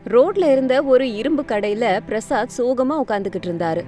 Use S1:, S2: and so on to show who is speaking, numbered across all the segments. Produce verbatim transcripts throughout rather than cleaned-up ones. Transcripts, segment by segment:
S1: ரோட்ல இருந்த ஒரு இரும்பு கடையில பிரசாத் சோகமா உட்கார்ந்துகிட்டு இருந்தாரு.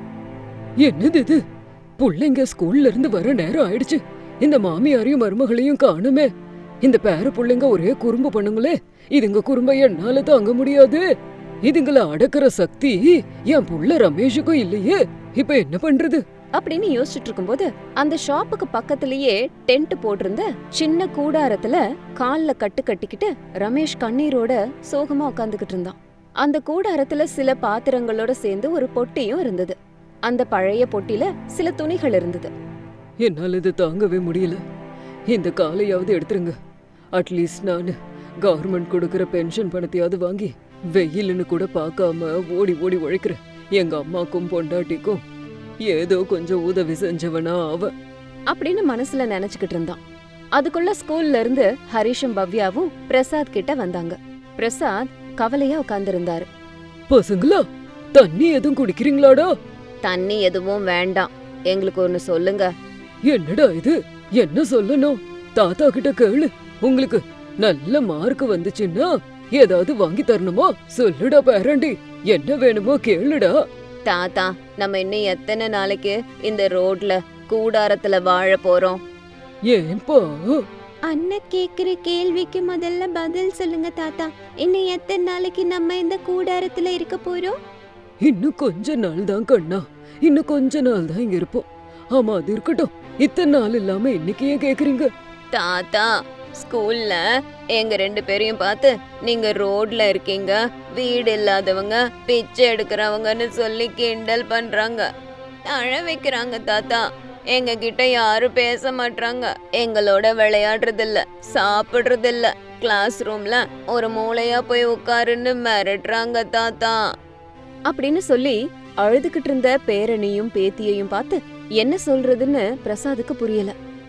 S2: என்னது இது? புள்ளைங்க ஸ்கூல்ல இருந்து வர நேரம் ஆயிடுச்சு. இந்த மாமியாரையும் மருமகளையும் காணுமே. இந்த பேர புள்ளைங்க ஒரே குறும்பு பண்ணுங்களே. இதுங்க குறும்ப என்னால தாங்க முடியாது. இதுங்கள அடக்குற சக்தி என் புள்ள ரமேஷுக்கும் இல்லையே. இப்ப என்ன பண்றது
S1: அப்படின்னு யோசிச்சுட்டு இருக்கும்போது அந்த ஷாப்புக்கு பக்கத்திலேயே டென்ட் போட்டிருந்த சின்ன கூடாரத்துல கால்ல கட்டு கட்டிக்கிட்டு ரமேஷ் கண்ணீரோட சோகமா உட்காந்துக்கிட்டு இருந்தான். அந்த கூடாரத்துல சில பாத்திரங்களோட சேர்ந்து ஒரு பொட்டியும் இருந்தது. அந்த பழைய பொட்டில சில துணிகள் இருந்தது.
S2: என்னால இது தாங்கவே முடியல. இந்த காலையாவது எடுத்துருங்க. அட்லீஸ்ட் நானு கவர்மெண்ட் கொடுக்கற பென்ஷன் பணத்தையாவது வாங்கி வெயிலுன்னு கூட பார்க்காம ஓடி ஓடி உழைக்கிறேன். எங்க அம்மாக்கும் பொண்டாட்டிக்கும் ஏதோ கொஞ்சம் உதவி செஞ்சவனா அவ
S1: அப்படின்னு மனசுல நினைச்சுக்கிட்டு இருந்தான். அதுக்குள்ள ஸ்கூல்ல இருந்து ஹரிஷும் பவ்யாவும் பிரசாத் கிட்ட வந்தாங்க. பிரசாத் கவலையா உட்கார்ந்திருந்தாரு.
S2: பசங்களா, தண்ணி எதுவும் குடிக்கிறீங்களாடா?
S1: தண்ணி எதுவும் வேண்டாம், எங்களுக்கு ஒன்னு சொல்லுங்க.
S2: என்னடா இது? என்ன சொல்லணும்? தாத்தா கிட்ட கேளு. உங்களுக்கு நல்ல மார்க் வந்துச்சுன்னா ஏதாவது வாங்கி தரணுமா? சொல்லுடா பேரண்டி, என்ன வேணுமோ கேளுடா.
S1: தாத்தா, நம்ம இன்னும் எத்தனை நாளைக்கு இந்த ரோட்ல கூடாரத்துல வாழ போறோம்?
S2: ஏன்பா?
S1: அண்ணன் கேக்குற கேள்விக்கு முதல்ல பதில் சொல்லுங்க தாத்தா. இன்னும் எத்தனை நாளைக்கு நம்ம இந்த கூடாரத்துல இருக்க போறோம்?
S2: இன்னும் கொஞ்ச நாள் தான் கண்ணா. இன்னும் கொஞ்ச நாள் தான் இங்க இருப்போம். ஆமா, அது இருக்கட்டும். இத்தனை நாள் இல்லாம இன்னைக்கு ஏன் கேக்குறீங்க?
S1: தாத்தா, ஸ்கூல்ல எங்க ரெண்டு பேரையும் பார்த்து நீங்க ரோட்ல இருக்கீங்க, வீடு இல்லாதவங்க, பிச்சை எடுக்கிறவங்கன்னு சொல்லி கிண்டல் பண்றாங்க, அழ வைக்கிறாங்க. தாத்தா, எங்க கிட்ட யாரும் பேச மாட்டாங்க, எங்களோட விளையாடுறது இல்ல, சாப்பிடுறது இல்ல, கிளாஸ் ரூம்ல ஒரு மூளையா போய் உட்காருன்னு மிரட்டுறாங்க தாத்தா அப்படின்னு சொல்லி அழுதுகிட்டு இருந்த பேரனையும் பேத்தியையும் பார்த்து என்ன சொல்றதுன்னு பிரசாதுக்கு புரியல.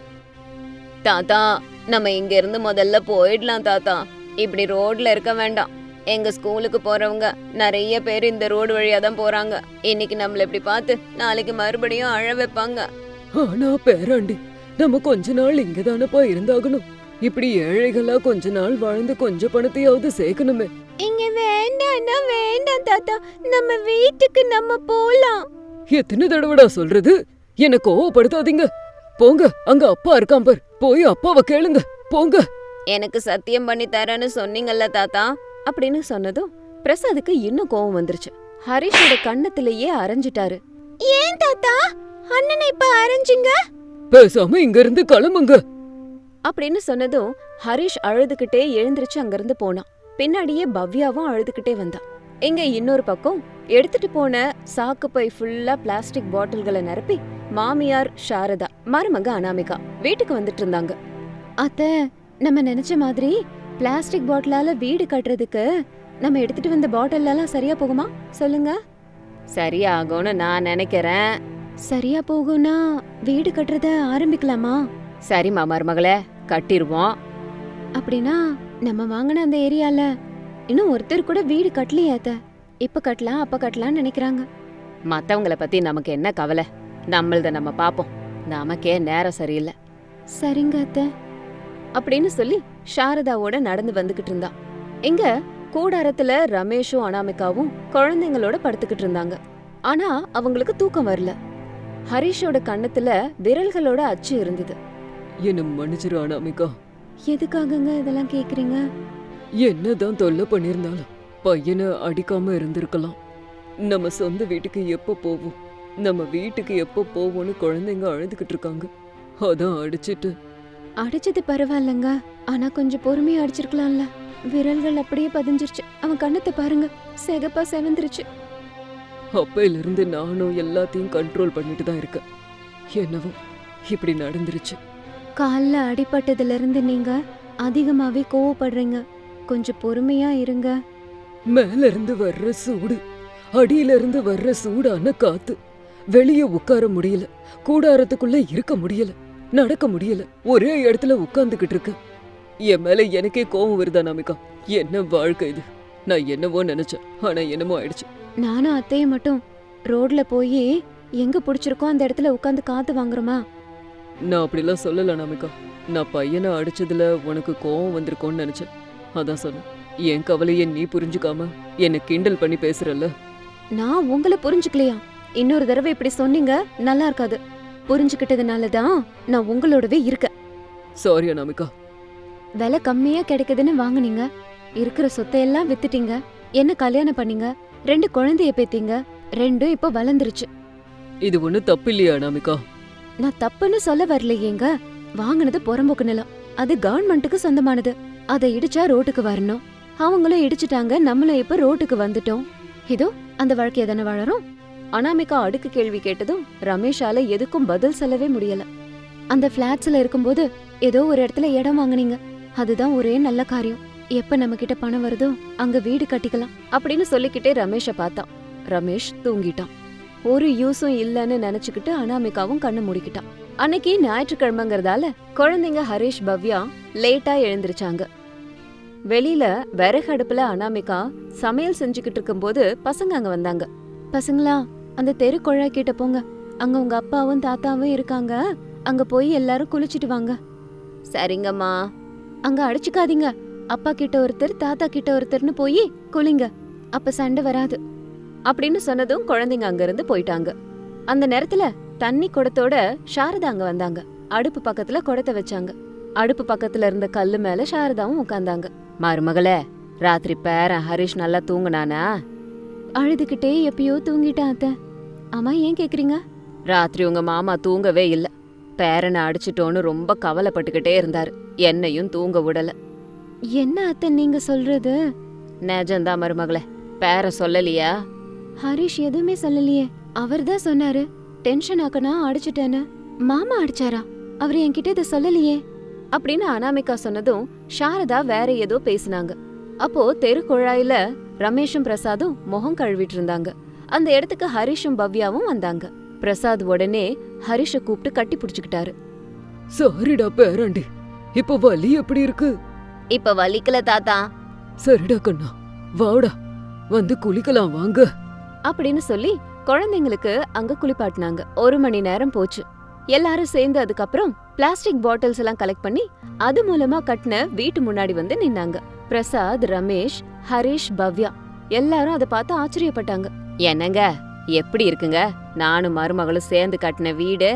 S1: தாத்தா, நம்ம இங்க இருந்து முதல்ல போயிடலாம் தாத்தா. இப்படி ரோட்ல இருக்க வேண்டாம். எங்க ஸ்கூலுக்கு போறவங்க நிறைய பேர் இந்த ரோடு வழியா தான் போறாங்க. இன்னைக்கு நம்மள இப்படி பார்த்து நாளைக்கு மறுபடியும் அழ வைப்பாங்க.
S2: ஆனா பேராண்டி, நம்ம கொஞ்ச நாள் இங்கதானப்பா இருந்தாகணும். இப்படி ஏழைகளா கொஞ்ச நாள் வாழ்ந்து கொஞ்சம் பணத்தையாவது சேர்க்கணுமே.
S1: இங்க வேண்டாம்னா வேண்டாம் தாத்தா, நம்ம வீட்டுக்கு நம்ம போலாம்.
S2: எத்தனை தடவைடா சொல்றது? என்ன கோவப்படுத்தாதீங்க. போங்க, அங்க அப்பா இருக்கான் பார், போய் அப்பாவை கேளுங்க. போங்க.
S1: எனக்கு சத்தியம் பண்ணி தரேன்னு சொன்னீங்கல்ல தாத்தா அப்படின்னு சொன்னதும் பிரசாதுக்கு இன்னும் கோவம் வந்துருச்சு. ஹரிஷோட கண்ணத்திலேயே அரைஞ்சிட்டாரு. ஏன் தாத்தா அண்ணனை இப்ப அரைஞ்சிங்க?
S2: பேசாம இங்க இருந்து கிளம்புங்க
S1: அப்படின்னு சொன்னதும் ஹரிஷ் அழுதுகிட்டே எழுந்திருச்சு அங்கிருந்து போனான். பின்னாடியே பவ்யாவும் அழுதுகிட்டே வந்தான். இங்க இன்னொரு பக்கம் எடுத்துட்டு போன சாக்கு பை ஃபுல்லா பிளாஸ்டிக் பாட்டில்களை நிரப்பி மாமியார் சாரதா, மருமக அனாமிகா வீட்டுக்கு வந்துட்டு இருந்தாங்க. அத்த, நம்ம நினைச்ச மாதிரி பிளாஸ்டிக் பாட்டிலால வீடு கட்டுறதுக்கு நம்ம எடுத்துட்டு வந்த பாட்டில் எல்லாம் சரியா போகுமா சொல்லுங்க? சரியாகும்னு நான் நினைக்கிறேன். சரியா போகும்னா வீடு கட்டுறத ஆரம்பிக்கலாமா? சரிம்மா மருமகளே, கட்டிருவோம். அப்படின்னா நம்ம வாங்கின அந்த ஏரியால இன்னும் ஒருத்தர் கூட வீடு கட்டலையே அத்த. இப்ப கட்டலாம் அப்ப கட்டலாம்னு நினைக்கிறாங்க. மத்தவங்கள பத்தி நமக்கு என்ன கவலை, நம்மளத நம்ம பாப்போம். நமக்கே நேரம் சரியில்லை. சரிங்க அத்த அப்படின்னு சொல்லி சாரதாவோட நடந்து வந்துகிட்டு இருந்தா. இங்க கூடாரத்துல ரமேஷும் அனாமிகாவும் குழந்தைங்களோட படுத்துக்கிட்டு இருந்தாங்க. ஆனா அவங்களுக்கு தூக்கம் வரல. ஹரிஷோட கண்ணத்துல விரல்களோட அச்சு இருந்தது.
S2: என்ன மன்னிச்சிரு அனாமிகா.
S1: எதுக்காகங்க இதெல்லாம் கேக்குறீங்க?
S2: என்னதான் தொல்லை பண்ணிருந்தாலும் பையனை அடிக்காம இருந்திருக்கலாம். நம்ம சொந்த வீட்டுக்கு எப்ப போவோம், நம்ம வீட்டுக்கு எப்ப போவோம்னு குழந்தைங்க அழுதுகிட்டு இருக்காங்க. அதான் அடிச்சிட்டு.
S1: அடிச்சது பரவாயில்லங்க, ஆனா கொஞ்சம் பொறுமையா அடிச்சிருக்கலாம்ல. விரல்கள் அப்படியே பதிஞ்சிருச்சு. அவன் கண்ணத்தை பாருங்க, செகப்பா செவந்துருச்சு.
S2: அப்பையில இருந்து நானும் எல்லாத்தையும் கண்ட்ரோல் பண்ணிட்டு தான் இருக்கேன். என்னவோ இப்படி நடந்துருச்சு.
S1: கால்ல அடிபட்டதுல இருந்து நீங்க அதிகமாவே கோவப்படுறீங்க. கொஞ்சம் பொறுமையா இருங்க.
S2: மேல இருந்து வர்ற சூடு, அடியில இருந்து வர்ற சூடான காத்து. வெளியே உட்கார முடியல, கூடாரத்துக்குள்ள இருக்க முடியல, நடக்க முடியல, ஒரே இடத்துல உட்கார்ந்துகிட்டு இருக்க. என் மேல எனக்கே கோவம் வருதா நாமிகா? என்ன வாழ்க்கை இது? நான் என்னவோ நினைச்சேன், ஆனா என்னமோ ஆயிடுச்சு.
S1: நானும் அத்தையும் மட்டும் ரோட்ல போய் எங்க பிடிச்சிருக்கோ அந்த இடத்துல உட்காந்து காத்து வாங்குறோமா?
S2: நான் அப்படிலாம் சொல்லல நாமிகா. நான் பையனை அடிச்சதுல உனக்கு கோவம் வந்திருக்கோன்னு நினைச்சேன், அதான் சொன்னேன். என் கவலைய நீ புரிஞ்சுக்காம என்ன கிண்டல் பண்ணி பேசுறல்ல.
S1: நான் உங்களை புரிஞ்சுக்கலையா? இன்னொரு தடவை இப்படி சொன்னீங்க நல்லா இருக்காது. புரிஞ்சுக்கிட்டதுனால தான் நான் உங்களோடவே இருக்கேன்.
S2: சாரி அனாமிகா.
S1: விலை கம்மியா கிடைக்குதுன்னு வாங்குனீங்க, இருக்கிற சொத்தையெல்லாம் வித்துட்டீங்க, என்ன கல்யாணம் பண்ணீங்க, ரெண்டு குழந்தைய பேத்தீங்க, ரெண்டும் இப்ப வளர்ந்துருச்சு.
S2: இது ஒண்ணு தப்பு இல்லையா அனாமிகா?
S1: நான் தப்புன்னு சொல்ல வரலையேங்க. வாங்குனது புறம்போக்கு நிலம், அது கவர்மெண்ட்டுக்கு சொந்தமானது. அதை இடிச்சா ரோட்டுக்கு வரணும். அவங்களும் இடிச்சிட்டாங்க, நம்மளும் இப்ப ரோட்டுக்கு வந்துட்டோம். இதோ அந்த வாழ்க்கைய தானே வாழறோம். அனாமிகா அடுக்கு கேள்வி கேட்டதும் ரமேஷால எதுக்கும் பதில் சொல்லவே முடியல. அந்த பிளாட்ஸ்ல இருக்கும்போது ஏதோ ஒரு இடத்துல இடம் வாங்குனீங்க, அதுதான் ஒரே நல்ல காரியம். எப்ப நம்ம கிட்ட பணம் வருதோ அங்க வீடு கட்டிக்கலாம் அப்படின்னு சொல்லிக்கிட்டே ரமேஷ பார்த்தான். ரமேஷ் தூங்கிட்டான். ஒரு யூஸும் இல்லன்னு நினைச்சுக்கிட்டு அனாமிகாவும் கண்ணு மூடிக்கிட்டான். அன்னைக்கு ஞாயிற்றுக்கிழமைங்கிறதால குழந்தைங்க ஹரிஷ், பவ்யா லேட்டா எழுந்திருச்சாங்க. வெளியில விறகு அடுப்புல அனாமிகா சமையல் செஞ்சுக்கிட்டு இருக்கும்போது பசங்க அங்க வந்தாங்க. பசங்களா, அந்த தெரு குழாய் கிட்ட போங்க, அங்க உங்க அப்பாவும் தாத்தாவும் இருக்காங்க, அங்க போய் எல்லாரும் குளிச்சிட்டு வாங்க. சரிங்கம்மா. அங்க அடிச்சுக்காதீங்க, அப்பா கிட்ட ஒருத்தர் தாத்தா கிட்ட ஒருத்தர்னு போய் குளிங்க, அப்ப சண்டை வராது அப்படின்னு சொன்னதும் குழந்தைங்க அங்க இருந்து போயிட்டாங்க. அந்த நேரத்துல தண்ணி குடத்தோட சாரதா அங்க வந்தாங்க. அடுப்பு பக்கத்துல குடத்தை வச்சாங்க. அடுப்பு பக்கத்துல இருந்த கல்லு மேல சாரதாவும் உட்கார்ந்தாங்க. மருமகளே, ராத்திரி பேரன் ஹரிஷ் நல்லா தூங்குனானா? அழுதுகிட்டே எப்பயோ தூங்கிட்டான் அத்தை. ஆமா, ஏன் கேக்குறீங்க? ராத்திரி உங்க மாமா தூங்கவே இல்ல, பேரனை அடிச்சிட்டோன்னு ரொம்ப கவலைப்பட்டுக்கிட்டே இருந்தாரு, என்னையும் தூங்க விடல. என்ன அத்தை நீங்க சொல்றது? நிஜம்தான் மருமகளே. பேர சொல்லலையா? ஹரிஷ் எதுவுமே சொல்லலையே. அவர்தான் சொன்னாரு டென்ஷன் ஆக்கனா அடிச்சிட்டேன்னு. மாமா அடிச்சாரா? அவர் என்கிட்ட இதை சொல்லலையே அப்படின்னு அனாமிகா சொன்னதும் சாரதா வேற ஏதோ பேசினாங்க. அப்போ தெரு குழாயில ரமேஷும் பிரசாதும் முகம் கழுவிட்டு இருந்தாங்க. அந்த இடத்துக்கு ஹரிஷும் பவ்யாவும் வந்தாங்க. பிரசாத் உடனே ஹரிஷ கூப்பிட்டு கட்டி புடிச்சுக்கிட்டாரு.
S2: சாரிடா பேராண்டி, இப்ப வலி எப்படி இருக்கு?
S1: இப்ப வலிக்கல தாத்தா.
S2: சரிடா கண்ணா, வாடா வந்து குளிக்கலாம் வாங்க
S1: அப்படின்னு சொல்லி குழந்தைங்களுக்கு அங்க குளிப்பாட்டினாங்க. ஒரு மணி நேரம் போச்சு. எல்லாரும் சேர்ந்து அதுக்கப்புறம் பிளாஸ்டிக் பாட்டில்ஸ் எல்லாம் கலெக்ட் பண்ணி அது மூலமா கட்டின வீட்டு முன்னாடி வந்து நின்னாங்க. பிரசாத், ரமேஷ், ஹரிஷ், பவ்யா எல்லாரும் அதை பார்த்து ஆச்சரியப்பட்டாங்க. என்னங்க, எப்படி இருக்குங்க நானும் மருமகளும் சேர்ந்து கட்டின வீடு?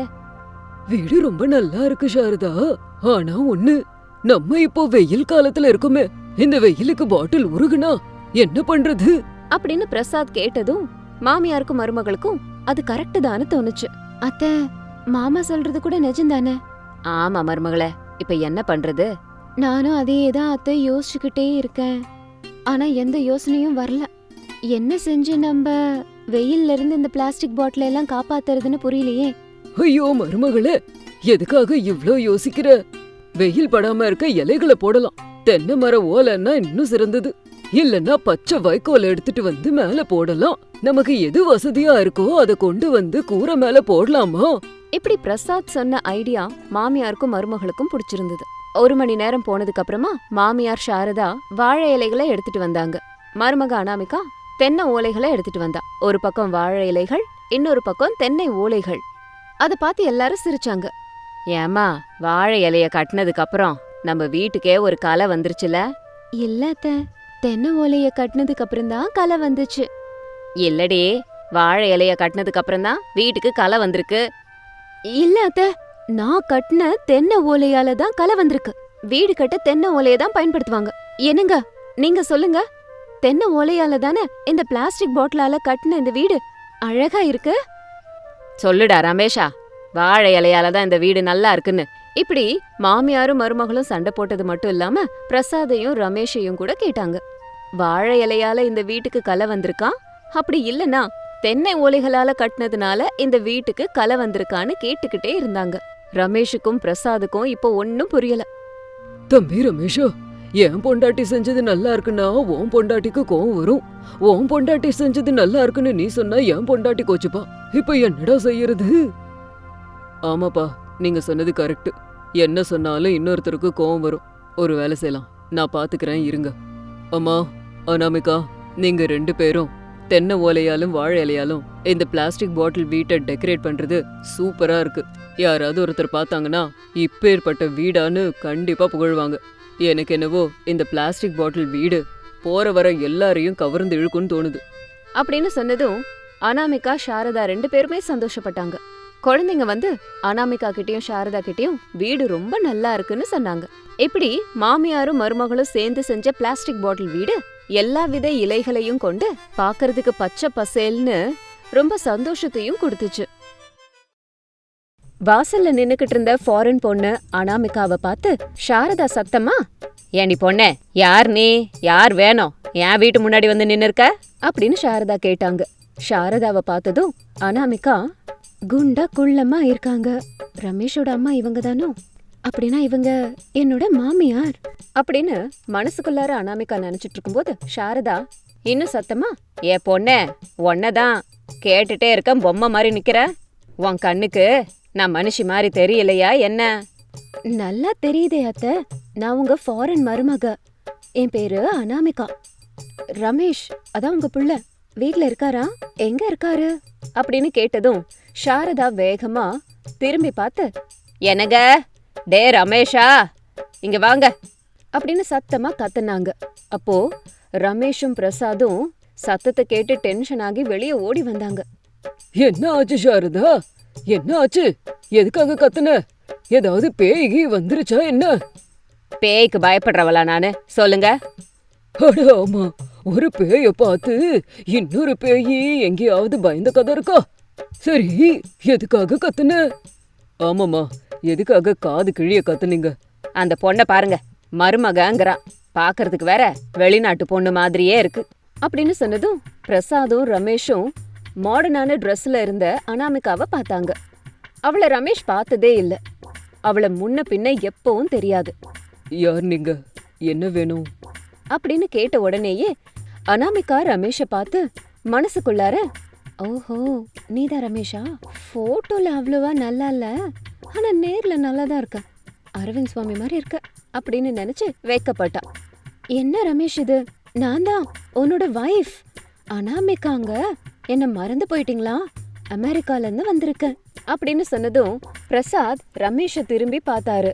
S2: வீடு ரொம்ப நல்லா இருக்கு சாரதா. ஆனா ஒண்ணு, நம்ம இப்போ வெயில் காலத்துல இருக்குமே, இந்த வெயிலுக்கு பாட்டில் உருகுனா என்ன பண்றது
S1: அப்படின்னு பிரசாத் கேட்டதும் மாமியாருக்கும் மருமகளுக்கும் அது கரெக்ட் தான்னு தோணுச்சு. அத்தை, மாமா சொல்றது கூட நிஜம்தானே? ஆமா மருமகளே, இப்ப என்ன பண்றது? நானும் அதேதான் அத்தை யோசிச்சுக்கிட்டே இருக்கேன். ஆனா எந்த யோசனையும் வரல. என்ன செஞ்சு நம்ம வெயில்ல இருந்து இந்த பிளாஸ்டிக் பாட்டில் எல்லாம் காப்பாத்துறதுன்னு புரியலையே.
S2: ஐயோ மருமகளே, எதுக்காக இவ்ளோ யோசிக்கிற? வெயில் படாம இருக்க இலைகளை போடலாம். தென்னை மர ஓலைன்னா இன்னும் சிறந்தது. இல்லன்னா பச்சை வைக்கோல் எடுத்துட்டு வந்து மேல போடலாம். நமக்கு எது வசதியா இருக்கோ அதை கொண்டு வந்து கூரை மேல போடலாமா?
S1: இப்படி பிரசாத் சொன்ன ஐடியா மாமியாருக்கும் மருமகளுக்கும் பிடிச்சிருந்தது. ஒரு மணி நேரம் போனதுக்கு அப்புறமா மாமியார் சாரதா வாழை இலைகளை எடுத்துட்டு வந்தாங்க. மருமக அனாமிகா தென்னை ஓலைகளை எடுத்துட்டு வந்தா. ஒரு பக்கம் வாழை இலைகள், இன்னொரு பக்கம் தென்னை ஓலைகள். அத பார்த்து எல்லாரும் சிரிச்சாங்க. ஏமா, வாழை இலைய கட்டினதுக்கு அப்புறம் நம்ம வீட்டுக்கே ஒரு கலை வந்துருச்சுல? இல்ல அத்தை, தென்னை ஓலைய கட்டினதுக்கு அப்புறம் தான் கலை வந்துச்சு. இல்லடி, வாழை இலைய கட்டினதுக்கு அப்புறம் தான் வீட்டுக்கு கலை வந்திருக்கு. இல்ல அத்தை, நான் கட்டின தென்னை ஓலையால தான் கலை வந்திருக்கு. வீடு கட்ட தென்னை ஓலைய தான் பயன்படுத்துவாங்க. என்னங்க நீங்க சொல்லுங்க, தென்னை ஓலையால தானே இந்த பிளாஸ்டிக் பாட்டிலால கட்டின இந்த வீடு அழகா இருக்கு? சொல்லுடா ரமேஷா, வாழை இலையால தான் இந்த வீடு நல்லா இருக்குன்னு. இப்படி மாமியாரும் மருமகளும் சண்டை போட்டது மட்டும் இல்லாம பிரசாதையும் ரமேஷையும் கூட கேட்டாங்க. வாழை இலையால இந்த வீட்டுக்கு கலை வந்திருக்கா, அப்படி இல்லனா தென்னை ஓலைகளால கட்டினதுனால இந்த வீட்டுக்கு கலை வந்திருக்கான்னு கேட்டுக்கிட்டே இருந்தாங்க. ரமேஷுக்கும் பிரசாதுக்கும் இப்போ ஒன்னும் புரியல.
S2: தம்பி ரமேஷா, என் பொண்டாட்டி செஞ்சது நல்லா இருக்குன்னா உன் பொண்டாட்டிக்கு கோவம் வரும். உன் பொண்டாட்டி செஞ்சது நல்லா இருக்குன்னு நீ சொன்னா என் பொண்டாட்டி கோச்சுப்பா. இப்ப என்னடா செய்யறது? ஆமாப்பா, நீங்க சொன்னது கரெக்ட். என்ன சொன்னாலும் இன்னொருத்தருக்கு கோவம் வரும். ஒரு வேலை செய்யலாம், நான் பாத்துக்கிறேன், இருங்க. அம்மா, அனாமிகா, நீங்க ரெண்டு பேரும் தென்னை ஓலையாலும் வாழை இலையாலும் இந்த பிளாஸ்டிக் பாட்டில் வீட்டை டெக்கரேட் பண்றது சூப்பரா இருக்கு. யாராவது ஒருத்தர் பார்த்தாங்கன்னா இப்பேற்பட்ட வீடான்னு கண்டிப்பா புகழ்வாங்க. எனக்கு என்னவோ இந்த பிளாஸ்டிக் பாட்டில் வீடு போற வர எல்லாரையும் கவர்ந்து இழுக்குன்னு தோணுது.
S1: அப்படின்னு சொன்னதும் அனாமிகா சாரதா ரெண்டு பேருமே சந்தோஷப்பட்டாங்க. குழந்தைங்க வந்து அனாமிகா கிட்டயும் சாரதா கிட்டயும் வீடு ரொம்ப நல்லா இருக்குன்னு சொன்னாங்க. இப்படி மாமியாரும் மருமகளும் சேர்ந்து செஞ்ச பிளாஸ்டிக் பாட்டில் வீடு எல்லா வித இலைகளையும் கொண்டு பாக்குறதுக்கு பச்சை பசேல்னு ரொம்ப சந்தோஷத்தையும் கொடுத்துச்சு. வாசல்ல நின்னுக்கிட்டு இருந்த ஃபாரின் பொண்ணு அனாமிகாவை பார்த்து சாரதா சத்தமா, ஏண்டி பொண்ணே, யார் நீ, யார் வேணும், என் வீட்டு முன்னாடி வந்து நின்னு இருக்க அப்படின்னு சாரதா கேட்டாங்க. சாரதாவை பார்த்ததும் அனாமிகா, குண்டா குள்ளமா இருக்காங்க, ரமேஷோட அம்மா இவங்க தானோ, அப்படின்னா இவங்க என்னோட மாமியார் அப்படின்னு மனசுக்குள்ளார அனாமிகா நினைச்சிட்டு இருக்கும்போது சாரதா இன்னும் சத்தமா, ஏ பொண்ணே, ஒன்னதான் கேட்டுட்டே இருக்க, பொம்மை மாதிரி நிக்கிற, உன் கண்ணுக்கு நான் மனுஷி மாதிரி தெரியலையா என்ன? நல்லா தெரியுதே அத்தை, நான் உங்க ஃபாரின் மருமக, என் பேரு அனாமிகா. ரமேஷ் அதான் உங்க புள்ள வீட்ல இருக்காரா, எங்க இருக்காரு அப்படின்னு கேட்டதும் சாரதா வேகமா திரும்பி பார்த்து, என்னங்க, டே ரமேஷா, இங்க வாங்க அப்படின்னு சத்தமா கத்துனாங்க. அப்போ ரமேஷும் பிரசாதும் சத்தத்தை கேட்டு டென்ஷன் ஆகி வெளியே ஓடி வந்தாங்க.
S2: என்ன ஆச்சு சாரதா, என்ன ஆச்சு, எதுக்காக கத்துன, ஏதாவது பேய்கி வந்துருச்சா என்ன?
S1: பேய்க்கு பயப்படுறவளா நானு, சொல்லுங்க.
S2: அட ஆமா, ஒரு பேய பார்த்து இன்னொரு பேயி எங்கேயாவது பயந்த கதை இருக்கா? சரி, எதுக்காக கத்துன? ஆமாமா, எதுக்காக காது கிழிய கத்துனீங்க?
S1: அந்த பொண்ணை பாருங்க, மருமகங்கிறா, பாக்குறதுக்கு வேற வெளிநாட்டு பொண்ணு மாதிரியே இருக்கு அப்படின்னு சொன்னதும் பிரசாதும் ரமேஷும் மாடர்னான ட்ரெஸ்ல இருந்த அனாமிகாவை பார்த்தாங்க. அவளை ரமேஷ் பார்த்ததே இல்ல, அவளை முன்ன பின்ன எப்பவும் தெரியாது.
S2: யார் நீங்க, என்ன வேணும்
S1: அப்படின்னு கேட்ட உடனேயே அனாமிகா ரமேஷை பார்த்து மனசுக்குள்ளார, ஓஹோ நீதான் ரமேஷா, போட்டோல அவ்வளவா நல்லா இல்ல, ஆனா நேர்ல நல்லாதான் இருக்க, அரவிந்த் சுவாமி மாதிரி இருக்க அப்படின்னு நினைச்சு வைக்கப்பட்டா. என்ன ரமேஷ் இது, நான் தான் உன்னோட வைஃப் அனாமிகாங்க, என்ன மறந்து போயிட்டீங்களா, அமெரிக்கால இருந்து வந்திருக்கேன் அப்படின்னு சொன்னதும் பிரசாத் ரமேஷ திரும்பி பார்த்தாரு.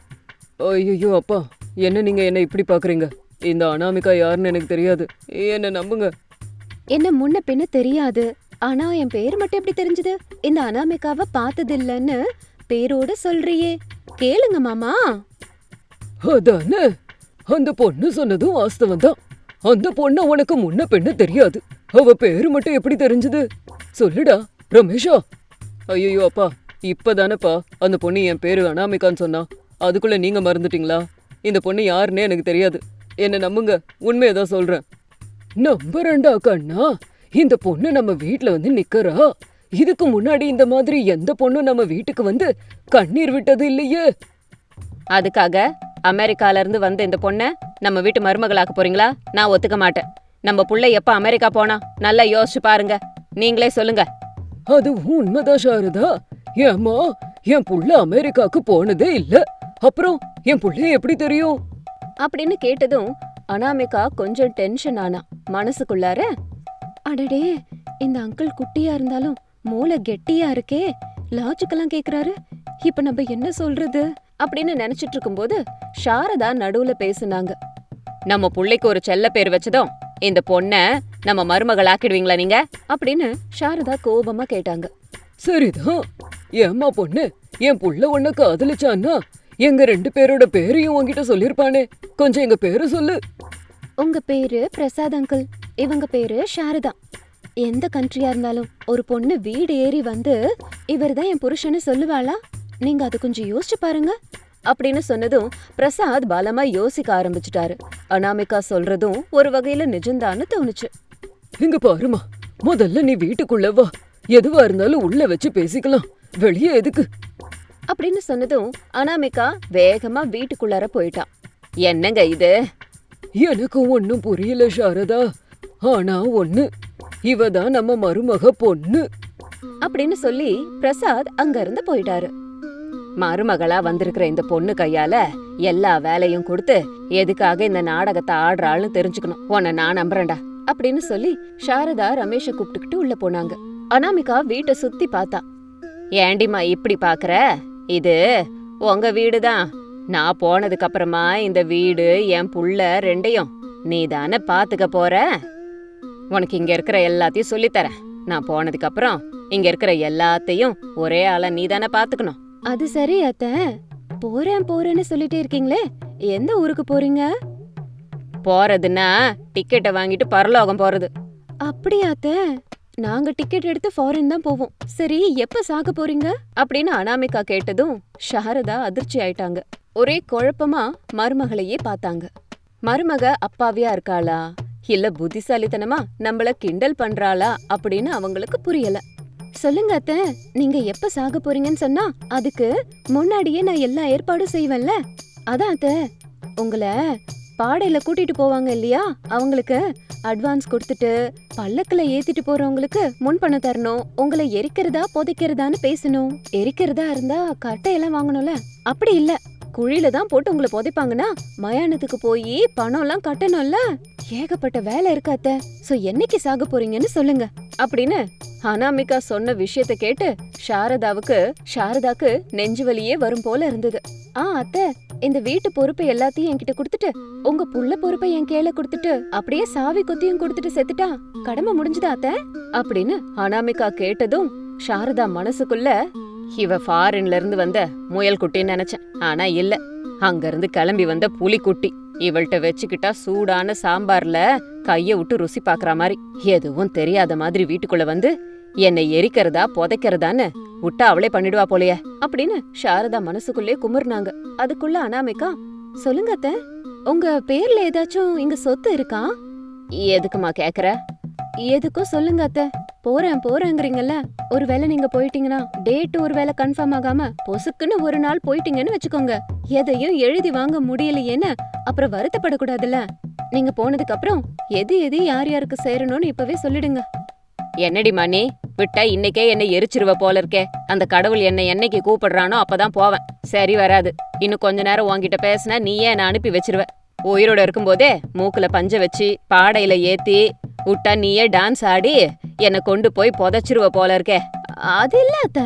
S2: ஐயோ அப்பா, என்ன நீங்க என்ன இப்படி பாக்குறீங்க, இந்த அனாமிகா யாருன்னு எனக்கு தெரியாது, என்ன நம்புங்க.
S1: என்ன முன்ன பின்ன தெரியாது, ஆனா என் பேர் மட்டும் எப்படி தெரிஞ்சது, இந்த அனாமிகாவை பார்த்தது இல்லன்னு பேரோட சொல்றியே, கேளுங்க மாமா.
S2: அதானே, அந்த பொண்ணு சொன்னதும் வாஸ்தவம் தான். அந்த பொண்ணு உனக்கு முன்ன பெண்ணு தெரியாது, அவ பேரு மட்டும் எப்படி தெரிஞ்சது, சொல்லுடா ரமேஷா. ஐயோ அப்பா, இப்பதானப்பா அந்த பொண்ணு என் பேரு அனாமிகான்னு சொன்னா, அதுக்குள்ள நீங்க மறந்துட்டீங்களா? இந்த பொண்ணு யாருன்னே எனக்கு தெரியாது, என்ன நம்புங்க, உண்மையதான் சொல்றேன். நம்புறேன்டா கண்ணா, இந்த பொண்ணு நம்ம வீட்டுல வந்து நிக்கறா, இதுக்கு முன்னாடி இந்த மாதிரி எந்த பொண்ணும் நம்ம வீட்டுக்கு வந்து கண்ணீர் விட்டது இல்லையே.
S1: அதுக்காக அமெரிக்கால இருந்து வந்த இந்த பொண்ணை நம்ம வீட்டு மருமகளாக்க போறீங்களா? நான் ஒத்துக்க மாட்டேன். நம்ம புள்ள எப்ப அமெரிக்கா போனா நல்லா யோசிச்சு பாருங்க, நீங்களே சொல்லுங்க.
S2: அது உண்மைதான் சாரதா, ஏம்மா என் புள்ள அமெரிக்காக்கு போனதே இல்ல, அப்புறம் என் புள்ளைய எப்படி தெரியும்
S1: அப்படின்னு கேட்டதும் அனாமிகா கொஞ்சம் டென்ஷன் ஆனா. மனசுக்குள்ளார, அடடே இந்த அங்கிள் குட்டியா இருந்தாலும் மூளை கெட்டியா இருக்கே, லாஜிக்கெல்லாம் கேக்குறாரு, இப்ப நம்ம என்ன சொல்றது அப்படின்னு நினைச்சிட்டு இருக்கும்போது சாரதா நடுவுல பேசுனாங்க. நம்ம புள்ளைக்கு ஒரு செல்ல பேர் வச்சதும் இந்த பொண்ண நம்ம மருமகள் ஆக்கிடுவீங்களா நீங்க அப்படின்னு சாரதா கோபமா கேட்டாங்க.
S2: சரிதான், ஏம்மா பொண்ணு, என் புள்ள உன்ன காதலிச்சான்னா எங்க ரெண்டு பேரோட பேரையும் உன்கிட்ட சொல்லிருப்பானே, கொஞ்சம் எங்க பேரு சொல்லு.
S1: உங்க பேரு பிரசாத் அங்கிள், இவங்க பேரு சாரதா. எந்த கண்ட்ரியா இருந்தாலும் ஒரு பொண்ணு வீடு ஏறி வந்து இவர்தான் என் புருஷன்னு சொல்லுவாளா? நீங்க அது கொஞ்சம் யோசிச்சு பாருங்க அப்படின்னு சொன்னதும் பிரசாத் பலமா யோசிக்க ஆரம்பிச்சுட்டாரு. அனாமிகா சொல்றதும் ஒரு வகையில நிஜம்தான்னு தோணுச்சு.
S2: இங்க பாருமா, முதல்ல நீ வீட்டுக்குள்ள வா, எதுவா இருந்தாலும் உள்ள வச்சு பேசிக்கலாம், வெளியே எதுக்கு
S1: அப்படின்னு சொன்னதும் அனாமிகா வேகமா வீட்டுக்குள்ளார போயிட்டான். என்னங்க இது,
S2: எனக்கு ஒன்னும் புரியல சாரதா, ஆனா ஒண்ணு, இவதான் நம்ம மருமக பொண்ணு
S1: அப்படின்னு சொல்லி பிரசாத் அங்க இருந்து போயிட்டாரு. மருமகளா வந்திருக்கிற இந்த பொண்ணு கையால எல்லா வேலையும் கொடுத்து எதுக்காக இந்த நாடகத்தை ஆடுறாள்னு தெரிஞ்சுக்கணும், உன்னை நான் நம்புறேன்டா அப்படின்னு சொல்லி சாரதா ரமேஷ கூப்பிட்டுக்கிட்டு உள்ள போனாங்க. அனாமிகா வீட்டை சுத்தி பார்த்தா. ஏண்டிமா இப்படி பாக்குற, இது உங்க வீடுதான், நான் போனதுக்கு அப்புறமா இந்த வீடு என் புள்ள ரெண்டையும் நீ தானே பாத்துக்க போற. உனக்கு இங்க இருக்கிற எல்லாத்தையும் சொல்லித்தரேன். நான் போனதுக்கு அப்புறம் இங்க இருக்கிற எல்லாத்தையும் ஒரே ஆளா நீ தானே பாத்துக்கணும். அது சரி அத்த, போறேன் போறேன்னு சொல்லிட்டே இருக்கீங்களே, எந்த ஊருக்கு போறீங்க? போறதுன்னா டிக்கெட்டை வாங்கிட்டு பரலோகம் போறது. அப்படியா அத்த? நாங்க டிக்கெட் எடுத்து ஃபாரின் தான் போவோம். சரி, எப்ப சாக போறீங்க அப்படின்னு அனாமிகா கேட்டதும் சாரதா அதிர்ச்சி ஆயிட்டாங்க. ஒரே குழப்பமா மருமகளையே பார்த்தாங்க. மருமக அப்பாவியா இருக்காளா இல்ல புத்திசாலித்தனமா நம்மள கிண்டல் பண்றாளா அப்படின்னு அவங்களுக்கு புரியல. சொல்லுங்க அத்த, நீங்க எப்ப சாக போறீங்கன்னு சொன்னா அதுக்கு முன்னாடியே நான் எல்லா ஏற்பாடும் செய்வேன்ல. அதான் அத்த, உங்களை பாடையில கூட்டிட்டு போவாங்க இல்லையா, அவங்களுக்கு அட்வான்ஸ் கொடுத்துட்டு பல்லக்குல ஏத்திட்டு போறவங்களுக்கு முன் பணம் தரணும். உங்களை எரிக்கிறதா புதைக்கிறதான்னு பேசணும். எரிக்கிறதா இருந்தா கட்டையெல்லாம் வாங்கணும்ல, அப்படி இல்ல குழியில தான் போட்டு உங்களை புதைப்பாங்கன்னா மயானத்துக்கு போய் பணம் எல்லாம் கட்டணும்ல. ஏகப்பட்ட வேலை இருக்கு அத்த. சோ என்னைக்கு சாக போறீங்கன்னு சொல்லுங்க அப்படின்னு அனாமிகா சொன்ன விஷயத்த கேட்டு சாரதாவுக்கு சாரதாக்கு நெஞ்சு வலியே வரும் போல இருந்தது. ஆ அத்த, இந்த வீட்டு பொறுப்பை எல்லாத்தையும் என்கிட்ட கொடுத்துட்டு உங்க புள்ள பொறுப்பை என் கையில கொடுத்துட்டு அப்படியே சாவி கொத்தியும் கொடுத்துட்டு செத்துட்டா கடமை முடிஞ்சுதா அத்த அப்படின்னு அனாமிகா கேட்டதும் சாரதா மனசுக்குள்ள இவ ஃபாரின்ல இருந்து வந்த முயல் குட்டின்னு நினைச்சேன். ஆனா இல்ல, அங்க இருந்து கிளம்பி வந்த புலிக்குட்டி. இவள்கிட்ட வச்சுக்கிட்டா சூடான சாம்பார்ல கைய விட்டு ருசி பாக்குற மாதிரி எதுவும் தெரியாத மாதிரி வீட்டுக்குள்ள வந்து என்னை எரிக்கிறதா புதைக்கிறதான்னு விட்டா அவளே பண்ணிடுவா போலையே அப்படின்னு சாரதா மனசுக்குள்ளே குமுறுனாங்க. அதுக்குள்ள அனாமிகா, சொல்லுங்க அத்த, உங்க பேர்ல ஏதாச்சும் இங்க சொத்து இருக்கா? எதுக்குமா கேக்குற? எதுக்கும் சொல்லுங்க அத்த. போறேன் போறேங்கிறீங்கல்ல, ஒருவேளை நீங்க போயிட்டீங்கன்னா டேட் ஒருவேளை கன்ஃபார்ம் ஆகாம பொசுக்குன்னு ஒரு நாள் போயிட்டீங்கன்னு வச்சுக்கோங்க, எதையும் எழுதி வாங்க முடியலையேன்னு அப்புறம் வருத்தப்படக்கூடாதுல்ல. நீங்க போனதுக்கு அப்புறம் எது எது யார் யாருக்கு சேரணும்னு இப்பவே சொல்லிடுங்க. என்னடி மணி, விட்டா இன்னைக்கே என்னை எரிச்சிருவ போல இருக்கே. அந்த கடவுள் என்னை என்னைக்கு கூப்பிடுறானோ அப்பதான் போவேன். சரி வராது. இன்னும் கொஞ்ச நேரம் உன்கிட்ட பேசினா நீயே என்ன அனுப்பி வச்சிருவ. உயிரோட இருக்கும்போதே மூக்குல பஞ்ச வச்சு பாடையில ஏத்தி விட்டா நீயே டான்ஸ் ஆடி என்னை கொண்டு போய் புதைச்சிருவ போல இருக்கே. அது இல்ல அத்த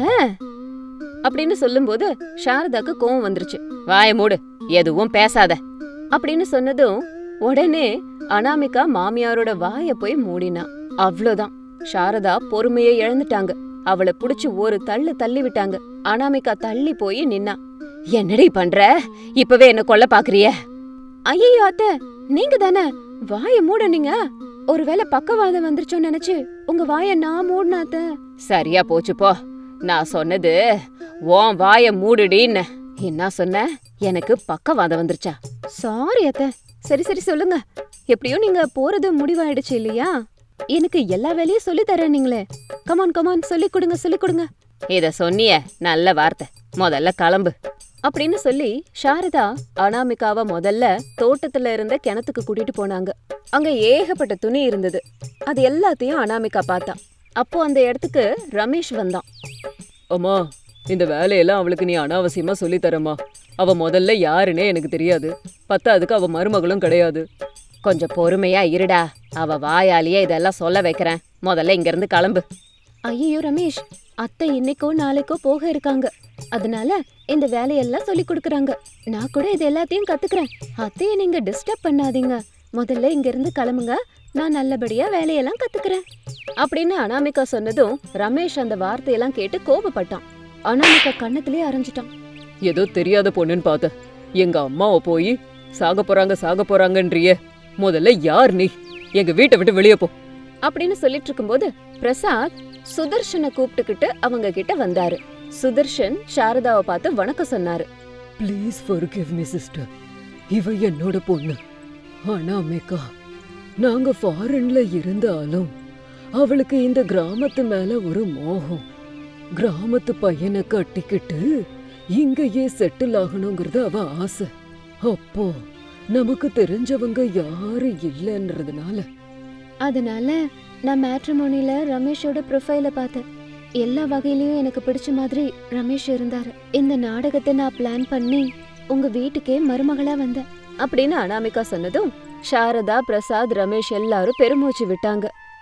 S1: அப்படின்னு சொல்லும்போது சாரதாக்கு கோவம் வந்துருச்சு. வாய மூடு, எதுவும் பேசாத அப்படின்னு சொன்னதும் உடனே அனாமிகா மாமியாரோட வாய போய் மூடினா. அவ்வளவுதான், சாரதா பொறுமையை இழந்துட்டாங்க. அவளை புடிச்சு ஒரு தள்ளு தள்ளி விட்டாங்க. அனாமிகா தள்ளி போய் நின்னா. என்னடி பண்ற? இப்பவே என்ன கொல்ல பாக்குறிய? ஐயோ அத்த, நீங்க தானே வாய மூடனீங்க. ஒருவேளை பக்கவாதம் வந்துருச்சோன்னு நினைச்சு உங்க வாய நான் மூடினா அத்த. சரியா போச்சு போ. நான் சொன்னது உன் வாய மூடுடின்னு. என்ன சொன்ன? எனக்கு பக்கவாதம் வந்துருச்சா? சாரி அத்த. சரி சரி சொல்லுங்க. எப்படியோ நீங்க போறது முடிவாயிடுச்சு இல்லையா? எனக்கு எல்லா வேலையும் சொல்லி தரேன் நீங்களே. கமான் கமான் சொல்லி கொடுங்க சொல்லி கொடுங்க. இத சொன்னிய நல்ல வார்த்தை, முதல்ல கிளம்பு அப்படின்னு சொல்லி சாரதா அனாமிகாவை முதல்ல தோட்டத்துல இருந்த கிணத்துக்கு கூட்டிட்டு போனாங்க. அங்க ஏகப்பட்ட துணி இருந்தது. அது எல்லாத்தையும் அனாமிகா பார்த்தா. அப்போ அந்த இடத்துக்கு ரமேஷ் வந்தான்.
S2: அம்மா, இந்த வேலையெல்லாம் அவளுக்கு நீ அனாவசியமா சொல்லி தரமா. அவ முதல்ல யாருன்னே எனக்கு தெரியாது. பத்தாதுக்கு அவ மருமகளும் கிடையாது.
S1: கொஞ்சம் பொறுமையா இருடா, அவ வாயாலேயே இதெல்லாம் சொல்ல வைக்கிறேன். முதல்ல இங்க இருந்து கிளம்பு. ஐயோ ரமேஷ், அத்தை இன்னைக்கோ நாளைக்கோ போக இருக்காங்க. அதனால இந்த வேலையெல்லாம் சொல்லி கொடுக்கறாங்க. நான் கூட இது எல்லாத்தையும் கத்துக்கிறேன். அத்தைய நீங்க டிஸ்டர்ப் பண்ணாதீங்க. முதல்ல இங்க இருந்து கிளம்புங்க, நான் நல்லபடியா வேலையெல்லாம் கத்துக்கிறேன் அப்படின்னு அனாமிகா சொன்னதும் ரமேஷ் அந்த வார்த்தையெல்லாம் கேட்டு கோபப்பட்டான். அனாமிகா கண்ணத்திலே அரைஞ்சிட்டான்.
S2: ஏதோ தெரியாத பொண்ணுன்னு பார்த்த. எங்க அம்மாவை போய் சாக போறாங்க சாக போறாங்கன்றியே. முதல்ல யார் நீ? எங்க வீட்டை விட்டு வெளியே போ
S1: அப்படின்னு சொல்லிட்டு இருக்கும்போது பிரசாத் சுதர்ஷனை கூப்பிட்டுக்கிட்டு அவங்க கிட்ட வந்தாரு. சுதர்ஷன் சாரதாவை பார்த்து வணக்கம் சொன்னாரு.
S2: Please forgive me sister. இவ என்னோட பொண்ணு அனாமிகா. நாங்க ஃபாரின்ல இருந்தாலும் அவளுக்கு இந்த கிராமத்து மேல ஒரு மோகம். கிராமத்து பையனை கட்டிக்கிட்டு இங்கேயே செட்டில் ஆகணுங்கிறது அவ ஆசை. அப்போ நமக்கு தெரிஞ்சவங்க யாரு இல்லைன்றதுனால
S1: அதனால நான் மேட்ரிமோனில ரமேஷோட ப்ரொஃபைல பார்த்தேன். எல்லா வகையிலயும் எனக்கு பிடிச்ச மாதிரி ரமேஷ் இருந்தாரு. இந்த நாடகத்தை நான் பிளான் பண்ணி உங்க வீட்டுக்கே மருமகளா வந்தேன் அப்படின்னு அனாமிகா சொன்னதும் சாரதா, பிரசாத், ரமேஷ் எல்லாரும் பெருமூச்சு விட்டாங்க.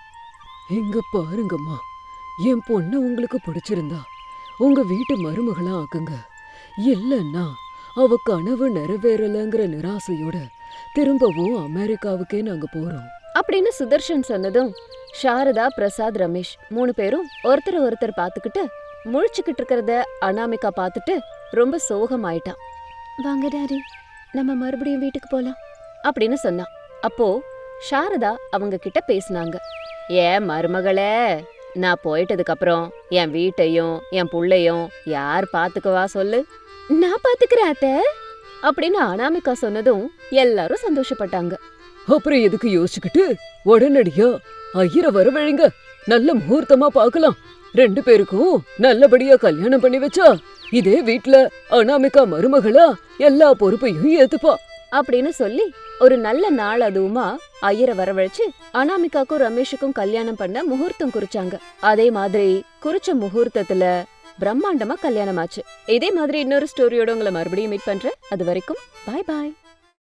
S2: இங்க பாருங்கம்மா, என் பொண்ணு உங்களுக்கு பிடிச்சிருந்தா உங்க வீட்டு மருமகளா ஆக்குங்க. இல்லன்னா அவ கனவு நிறைவேறலங்கிற நிராசையோட திரும்பவும் அமெரிக்காவுக்கே நாங்க போறோம்.
S1: அப்படின்னு சுதர்ஷன் சொன்னதும் சாரதா, பிரசாத், ரமேஷ் மூணு பேரும் ஒருத்தர் ஒருத்தர் பாத்துக்கிட்டு முழிச்சுக்கிட்டு இருக்கிறத அனாமிகா பாத்துட்டு ரொம்ப சோகமாயிட்டான். வாங்க டாடி, நம்ம மறுபடியும் வீட்டுக்கு போலாம் அப்படின்னு சொன்னான். அப்போ சாரதா அவங்க கிட்ட பேசினாங்க. ஏன் மருமகளே, நான் போயிட்டதுக்கு அப்புறம் என் வீட்டையும் என் புள்ளையும் யார் பாத்துக்குவா சொல்லு? நான் பாத்துக்கிறேன் அத்தை அப்படின்னு அனாமிகா சொன்னதும் எல்லாரும் சந்தோஷப்பட்டாங்க.
S2: அப்புறம் எதுக்கு யோசிச்சுக்கிட்டு உடனடியா ஐயரை வரவழைங்க. நல்ல முகூர்த்தமா பார்க்கலாம். ரெண்டு பேருக்கும் நல்லபடியா கல்யாணம் பண்ணி வச்சா இதே வீட்ல அனாமிகா மருமகளா எல்லா பொறுப்பையும் ஏத்துப்பா
S1: அப்படின்னு சொல்லி ஒரு நல்ல நாள் அதுவுமா ஐயரை வரவழைச்சு அனாமிகாக்கும் ரமேஷுக்கும் கல்யாணம் பண்ண முகூர்த்தம் குறிச்சாங்க. அதே மாதிரி குறிச்ச முகூர்த்தத்துல பிரம்மாண்டமா கல்யாணம் ஆச்சு. இதே மாதிரி இன்னொரு ஸ்டோரியோட உங்களை மறுபடியும் மீட் பண்றேன். அது வரைக்கும் பாய் பாய்.